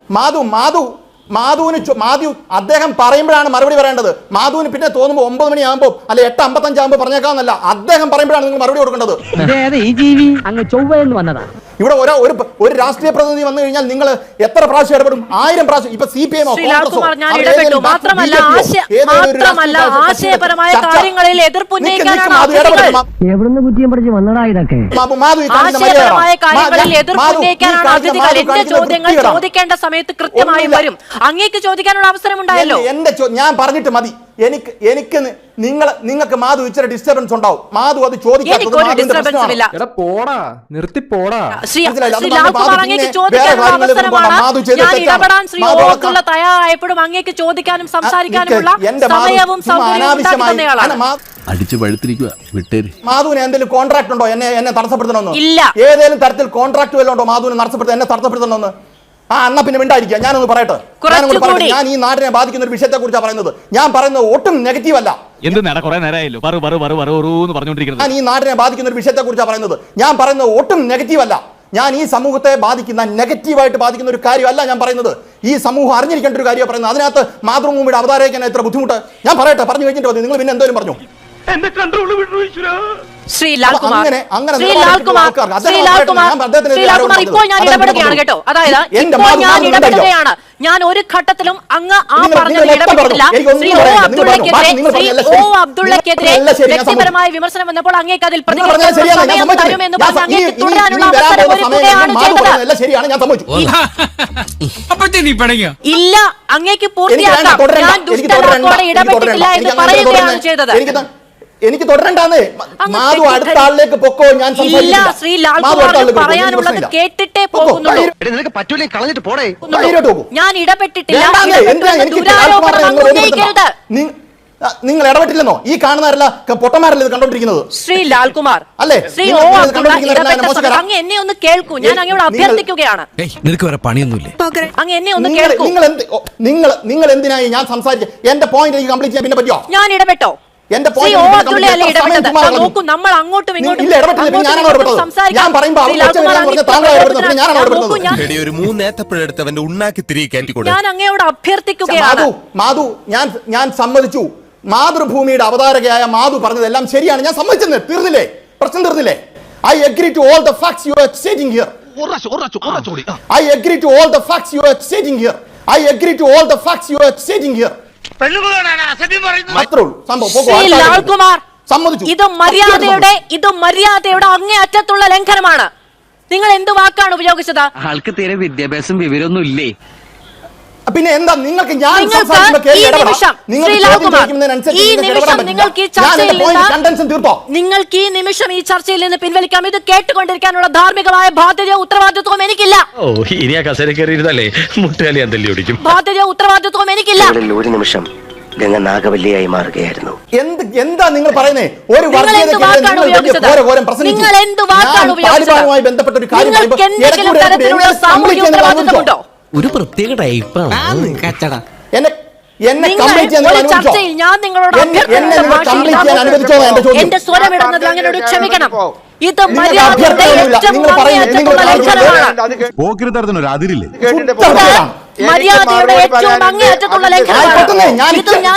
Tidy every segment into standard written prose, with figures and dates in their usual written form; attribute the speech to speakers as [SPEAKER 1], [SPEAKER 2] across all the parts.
[SPEAKER 1] മാധു അദ്ദേഹം പറയുമ്പോഴാണ് മറുപടി പറയേണ്ടത്. മാധുവിന് പിന്നെ തോന്നുമ്പോൾ 9 മണിയാകുമ്പോൾ അല്ലെ 8:55 ആകുമ്പോൾ പറഞ്ഞേക്കാന്നല്ല, അദ്ദേഹം പറയുമ്പോഴാണ് നിങ്ങൾ മറുപടി കൊടുക്കേണ്ടത്. ഇവിടെ ഒരു രാഷ്ട്രീയ പ്രതിനിധി വന്നു കഴിഞ്ഞാൽ നിങ്ങൾ എത്ര പ്രാവശ്യം ഇടപെടും? 1000 പ്രാവശ്യം. ഇപ്പൊ CPM
[SPEAKER 2] ചോദിക്കേണ്ട സമയത്ത് കൃത്യമായി വരും. അങ്ങേക്ക് ചോദിക്കാനുള്ള അവസരം ഉണ്ടായല്ലോ.
[SPEAKER 1] ഞാൻ പറഞ്ഞിട്ട് മതി. നിങ്ങൾക്ക് മാധു ഇച്ചിരി ഡിസ്റ്റർബൻസ് ഉണ്ടാവും. മാധു അത് ചോദിക്കാത്തത്
[SPEAKER 2] തയ്യാറായപ്പോഴും അങ്ങേക്ക് ചോദിക്കാനും സംസാരിക്കാനുമുള്ള സമയവും
[SPEAKER 3] അടിച്ചു പഴുത്തിരിക്കുക. വിട്ടേര്.
[SPEAKER 1] മാധുവിന് എന്തെങ്കിലും കോൺട്രാക്ട് ഉണ്ടോ എന്നെ തടസ്സപ്പെടുത്തണമെന്ന്?
[SPEAKER 2] ഇല്ല.
[SPEAKER 1] ഏതെങ്കിലും തരത്തിൽ കോൺട്രാക്ട് വല്ലതും ഉണ്ടോ മാധുവിനെ എന്നെ തടസ്സപ്പെടുത്തണമെന്ന്? അന്ന പിന്നെ മിണ്ടായിരിക്കുക. ഞാനൊന്ന് പറയട്ടെ. ഞാൻ ഈ നാടിനെ ബാധിക്കുന്ന ഒരു വിഷയത്തെ കുറിച്ചാണ് പറയുന്നത്. ഞാൻ പറയുന്നത് ഒട്ടും നെഗറ്റീവ് അല്ല. ഞാൻ ഈ നാടിനെ ബാധിക്കുന്ന ഒരു വിഷയത്തെ കുറിച്ചാണ് പറയുന്നത്. ഞാൻ പറയുന്നത് ഒട്ടും നെഗറ്റീവ് അല്ല. ഞാൻ ഈ സമൂഹത്തെ ബാധിക്കുന്ന നെഗറ്റീവായിട്ട് ബാധിക്കുന്ന ഒരു കാര്യമല്ല ഞാൻ പറയുന്നത്. ഈ സമൂഹം അറിഞ്ഞിരിക്കേണ്ട ഒരു കാര്യമാണ് പറയുന്നത്. അതിനകത്ത് മാതൃഭൂമിയുടെ അവതാരകൻ എത്ര ബുദ്ധിമുട്ട് ഞാൻ പറയട്ടെ. പറഞ്ഞു കഴിഞ്ഞിട്ട് മതി. നിങ്ങൾ പിന്നെ എന്തോലും പറഞ്ഞു.
[SPEAKER 2] ഇപ്പോൾ ഞാൻ ഇടപെടുകയാണ് കേട്ടോ. അതായത് ഇപ്പോൾ ഞാൻ ഇടപെടുകയാണ്. ഞാൻ ഒരു ഘട്ടത്തിലും അങ്ങ് ആ പറഞ്ഞതിൽ ഇടപെട്ടില്ല. ശ്രീ ഒ അബ്ദുള്ളക്കെതിരെ വ്യക്തിപരമായ വിമർശനം വന്നപ്പോൾ അങ്ങേക്ക് അതിൽ പ്രതികരിക്കാൻ സമയം തരുമെന്ന് പറഞ്ഞ് അങ്ങേക്ക് തുടരാനുള്ള അവസരം ഒരുക്കുകയാണ് ചെയ്തത്. ഇല്ല, അങ്ങേക്ക് പൂർത്തിയാക്കാം. ഞാൻ ദുഷ്ടലാക്കോടെ ഇടപെട്ടിട്ടില്ല എന്ന് പറയുകയാണ് ചെയ്തത്.
[SPEAKER 1] എനിക്ക് തുടരണ്ടാന്നേ. മാധു അടുത്ത ആളിലേക്ക് പൊക്കോ. ഞാൻ
[SPEAKER 2] പറയാനുള്ളത് കേട്ടിട്ടേ പോകുന്നുള്ളൂ. ഞാൻ ഇടപെട്ടിട്ടില്ല.
[SPEAKER 1] നിങ്ങൾ ഇടപെട്ടില്ലെന്നോ? ഈ കാണുന്നവരല്ല പൊട്ടന്മാരല്ലേ ഇത് കണ്ടോണ്ടിരിക്കുന്നത്?
[SPEAKER 2] ശ്രീ ലാൽകുമാർ
[SPEAKER 1] അല്ലേ?
[SPEAKER 2] അങ്ങ് എന്നെ ഒന്ന് കേൾക്കൂ. ഞാൻ അങ്ങയോട് അഭ്യർത്ഥിക്കുകയാണ്.
[SPEAKER 3] നിനക്ക് വേറെ പണിയൊന്നുമില്ലേ?
[SPEAKER 2] അങ്ങ് എന്നെ ഒന്ന് കേൾക്കൂ.
[SPEAKER 1] നിങ്ങൾ എന്തിനായി ഞാൻ സംസാരിക്കുക? എന്റെ പോയിന്റ് എനിക്ക് കംപ്ലീറ്റ് ചെയ്യാൻ പിന്നെ പറ്റുമോ?
[SPEAKER 2] ഞാൻ ഇടപെട്ടോ? നോക്കൂ, നമ്മൾ അങ്ങോട്ടും ഇങ്ങോട്ടും ഞാൻ അങ്ങയോട് അഭ്യർത്ഥിക്കുകയാണ്.
[SPEAKER 1] മാധു, ഞാൻ സമ്മതിച്ചു. മാതൃഭൂമിയുടെ അവതാരകയായ മാധു പറഞ്ഞതെല്ലാം ശരിയാണ്. ഞാൻ സമ്മതിച്ചത്. തീർന്നില്ലേ? പ്രശ്നം തീർന്നില്ലേ? I agree to all the facts you are stating here. I agree to all the facts you are stating here. I agree to all the facts you are stating here.
[SPEAKER 2] ഇത് മര്യാദയുടെ അങ്ങേയറ്റത്തുള്ള ലംഘനമാണ്. നിങ്ങൾ എന്ത് വാക്കാണ് ഉപയോഗിച്ചത്?
[SPEAKER 4] ആൾക്ക് തീരെ വിദ്യാഭ്യാസം വിവരമൊന്നും ഇല്ലേ?
[SPEAKER 1] പിന്നെ എന്താ നിങ്ങൾക്ക്?
[SPEAKER 2] നിങ്ങൾക്ക് ഈ നിമിഷം ഈ ചർച്ചയിൽ നിന്ന് പിൻവലിക്കാം. ഇത് കേട്ടുകൊണ്ടിരിക്കാനുള്ള ധാർമ്മികമായ ബാധ്യതയോ ഉത്തരവാദിത്വവും എനിക്കില്ല. ബാധ്യതയോ ഉത്തരവാദിത്വവും എനിക്കില്ല.
[SPEAKER 5] ഒരു നിമിഷം ഗംഗ നാഗവല്ലിയായി മാറുകയായിരുന്നു.
[SPEAKER 1] എന്താ നിങ്ങൾ പറയുന്നേ? ഒരു ബന്ധപ്പെട്ട ഒരു കാര്യം
[SPEAKER 3] ഒരു പ്രത്യേക ടൈപ്പാണ്.
[SPEAKER 2] ചർച്ചയിൽ ഞാൻ നിങ്ങളോട് എന്റെ സ്വരമിടുന്നത് അങ്ങനോട് ക്ഷമിക്കണം. ഇത് മര്യാദയുടെ ഏറ്റവും അങ്ങേയറ്റത്തുള്ള ലംഘനമാണ്. ഇത് ഞാൻ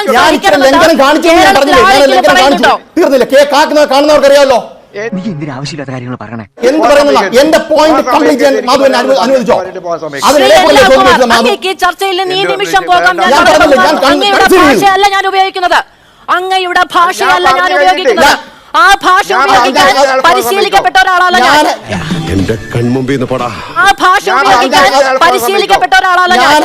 [SPEAKER 1] കാണുന്നവർക്കറിയാമല്ലോ.
[SPEAKER 4] ആവശ്യമില്ലാത്ത കാര്യങ്ങൾ പറയണേ.
[SPEAKER 1] എന്ത് പറയുന്ന എന്റെ പോയിന്റ് കംപ്ലീറ്റ് ചെയ്യാൻ മാധുവിനെ അനുവദിച്ചോ?
[SPEAKER 2] അങ്ങേക്ക് ചർച്ചയിൽ നിന്ന് ഈ നിമിഷം പോകാം. അങ്ങയുടെ ഭാഷയല്ല ഞാൻ ഉപയോഗിക്കുന്നത്. അങ്ങയുടെ ഭാഷയല്ല ഞാൻ ഉപയോഗിക്കുന്നത്. ആ ഭാഷ ഉപയോഗിക്കാൻ പരിശീലിക്കപ്പെട്ട ഒരാളല്ല ഞാൻ.
[SPEAKER 6] എന്റെ കൺമുമ്പിൽ
[SPEAKER 2] ആ ഭാഷ ഉപയോഗിക്കാൻ പരിശീലിക്കപ്പെട്ട ഒരാളല്ല ഞാൻ.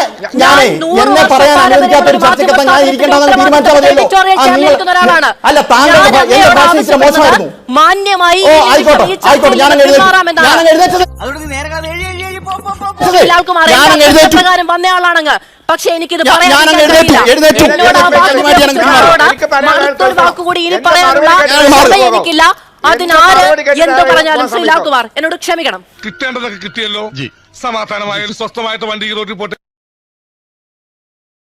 [SPEAKER 2] മാന്യമായി പ്രകാരം വന്ന ആളാണെങ്കിൽ. പക്ഷെ എനിക്കിത് വാക്കുകൂടി ഇനി പറയാനുള്ള സമയം എനിക്കില്ല. അതിനാര് എന്ത് പറഞ്ഞാലും ശ്രീ ലാൽകുമാർ എന്നോട് ക്ഷമിക്കണം.
[SPEAKER 7] കിട്ടേണ്ടതൊക്കെ കിട്ടിയല്ലോ. സമാധാനമായ ഒരു സ്വസ്ഥമായിട്ട് വണ്ടി റോഡിൽ പോട്ടെ.